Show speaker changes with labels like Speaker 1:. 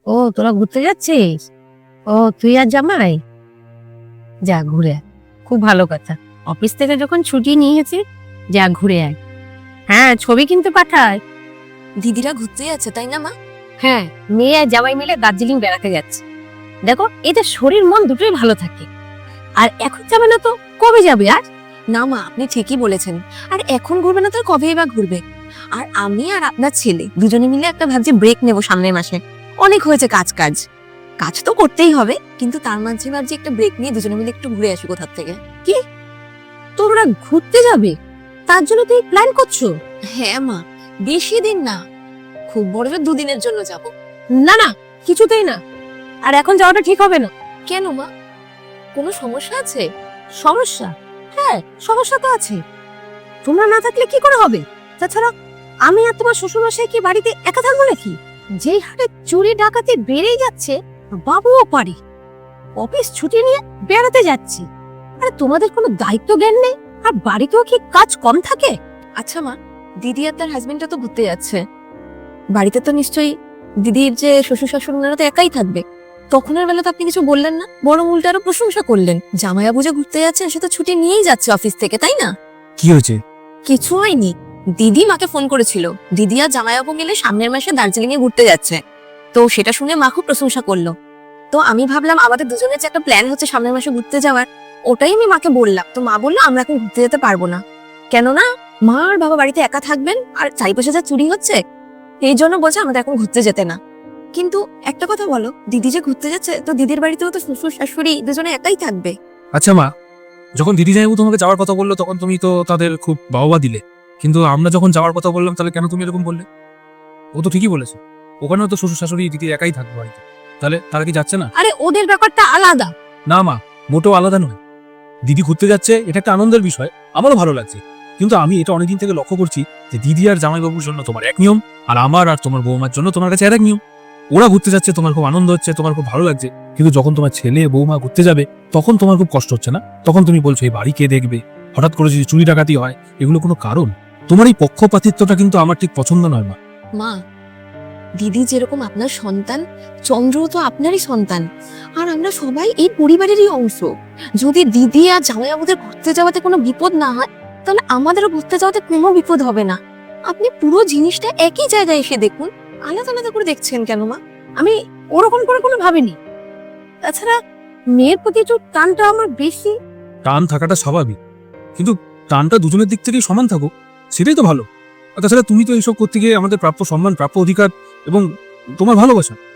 Speaker 1: ও তোরা ঘুরতে যাচ্ছিস? ও তুই আর জামাই যা ঘুরে আয়। খুব ভালো কথা, অফিস থেকে যখন ছুটি নিয়েছি যা ঘুরে আয়। হ্যাঁ, ছবি কিন্তু পাঠায়।
Speaker 2: দিদিরা ঘুরতে যাচ্ছে তাই না মা?
Speaker 1: হ্যাঁ, মেয়ে আর জামাই মিলে দার্জিলিং বেড়াতে যাচ্ছে। দেখো, এতে শরীর মন দুটোই ভালো থাকে। আর এখন যাবে না তো কবে যাবে? আর
Speaker 2: না মা, আপনি ঠিকই বলেছেন। আর এখন ঘুরবে না তো কবেই বা ঘুরবে? আর আমি আর আপনার ছেলে দুজনে মিলে একটা ভাবছি ব্রেক নেব সামনের মাসে। অনেক হয়েছে কাজ কাজ কাজ তো করতেই হবে, কিন্তু তার মাঝে ভাবছি একটা ব্রেক নিয়ে দুজনে মিলে একটু ঘুরে আসি কোথার থেকে।
Speaker 1: তোমরা ঘুরতে যাবে? তার জন্য তুই প্ল্যান করছো?
Speaker 2: হ্যাঁ মা, বেশি দিন না, খুব বড় জোর 2 দিনের জন্য যাব।
Speaker 1: না না, কিছুতেই না। আর এখন যাওয়াটা ঠিক হবে না।
Speaker 2: কেন মা, কোনো সমস্যা আছে?
Speaker 1: সমস্যা? হ্যাঁ, সমস্যা তো আছে। তোমরা না থাকলে কি করে হবে? তাছাড়া আমি আর তোমার শ্বশুরমশাই কি বাড়িতে একা থাকবো নাকি? যেই হারে চুরি ডাকাতি বেড়েই যাচ্ছে, বাবুও পারি অফিস ছুটি নিয়ে বেড়াতে যাচ্ছি। আরে তোমাদের কোনো দায়িত্ব জ্ঞান নেই? আর বাড়িতেও কি কাজ কম থাকে?
Speaker 2: আচ্ছা মা, দিদি আর তার হাজবেন্ডটা তো ঘুরতে যাচ্ছে, বাড়িতে তো নিশ্চয়ই দিদির যে শ্বশুর শাশুড়ি ওনারা তো একাই থাকবে। তখনের বেলা তো আপনি কিছু বললেন না, বরং উল্টে আরো প্রশংসা করলেন। জামাইবাবু যে ঘুরতে যাচ্ছে সে তো ছুটি নিয়েই যাচ্ছে অফিস থেকে, তাই না?
Speaker 3: কি হয়েছে?
Speaker 2: কিছু হয়নি, দিদি মাকে ফোন করেছিল, দিদি আর জামাইবাবু মিলে সামনের মাসে দার্জিলিং এ ঘুরতে যাচ্ছে। তো সেটা শুনে মা খুব প্রশংসা করলো। তো আমি ভাবলাম আমাদের দুজনের যে একটা প্ল্যান হচ্ছে সামনের মাসে ঘুরতে যাওয়ার, ওটাই আমি মাকে বললাম। তো মা বললো আমরা এখন ঘুরতে যেতে পারবো না, কেননা মা আর বাবা বাড়িতে একা থাকবেন, আর চারিপাশে যা চুরি হচ্ছে এই জন্য বলছে আমাদের এখন ঘুরতে যেতে না। কিন্তু একটা কথা বলো, দিদি যে ঘুরতে যাচ্ছে তো দিদির বাড়িতেও তো শ্বশুর শাশুড়ি দুজনে একাই থাকবে।
Speaker 3: আচ্ছা মা, যখন দিদি জামাইবাবু তোমাকে যাওয়ার কথা বললো তখন তুমি তো তাদের খুব বাহবা দিলে, কিন্তু আমরা যখন যাওয়ার কথা বললাম তাহলে কেন তুমি এরকম বললে? ও তো ঠিকই বলেছে, ওখানেও তো শ্বশুর শাশুড়ি দিদি একাই থাকবে বাড়িতে, তাহলে তারা কি যাচ্ছে না?
Speaker 1: আরে ওদের ব্যাপারটা আলাদা।
Speaker 3: না মা, মোটেও আলাদা নয়। দিদি ঘুরতে যাচ্ছে এটা একটা আনন্দের বিষয়, আমারও ভালো লাগছে। কিন্তু আমি এটা অনেকদিন থেকে লক্ষ্য করছি যে দিদি আর জামাইবাবুর জন্য তোমার এক নিয়ম, আর আমার আর তোমার বৌমার জন্য তোমার কাছে আরেক নিয়ম। ওরা ঘুরতে যাচ্ছে, তোমার খুব আনন্দ হচ্ছে, তোমার খুব ভালো লাগছে, কিন্তু যখন তোমার ছেলে বৌমা ঘুরতে যাবে তখন তোমার খুব কষ্ট হচ্ছে না? তখন তুমি বলছো এই বাড়ি কে দেখবে, হঠাৎ করে যদি চুরি ডাকাতি হয়, এগুলো কোনো কারণ? তোমার এই পক্ষপাতিত্বটা কিন্তু আমার ঠিক পছন্দ নয় মা।
Speaker 2: মা, দিদি যেরকম আপনার সন্তান, চন্দ্রও তো আপনারই সন্তান, আর আমরা সবাই এই পরিবারেরই অংশ। যদি দিদি আর জামাইবাবুদের ঘুরতে যাওয়াতে কোনো বিপদ না হয়, তাহলে আমাদেরও ঘুরতে যাওয়াতে কোনো বিপদ হবে না। আপনি পুরো জিনিসটা একই জায়গায় এসে দেখুন, আলাদা আলাদা করে দেখছেন কেন মা?
Speaker 1: আমি ওরকম করে কোনো ভাবিনি। তাছাড়া মেয়ের প্রতি একটু টানটা আমার বেশি।
Speaker 3: টান থাকাটা স্বাভাবিক, কিন্তু টানটা দুজনের দিক থেকেই সমান থাকুক, সেটাই তো ভালো। আর তাছাড়া তুমি তো এইসব করতে গিয়ে আমাদের প্রাপ্য সম্মান, প্রাপ্য অধিকার এবং তোমার ভালোবাসা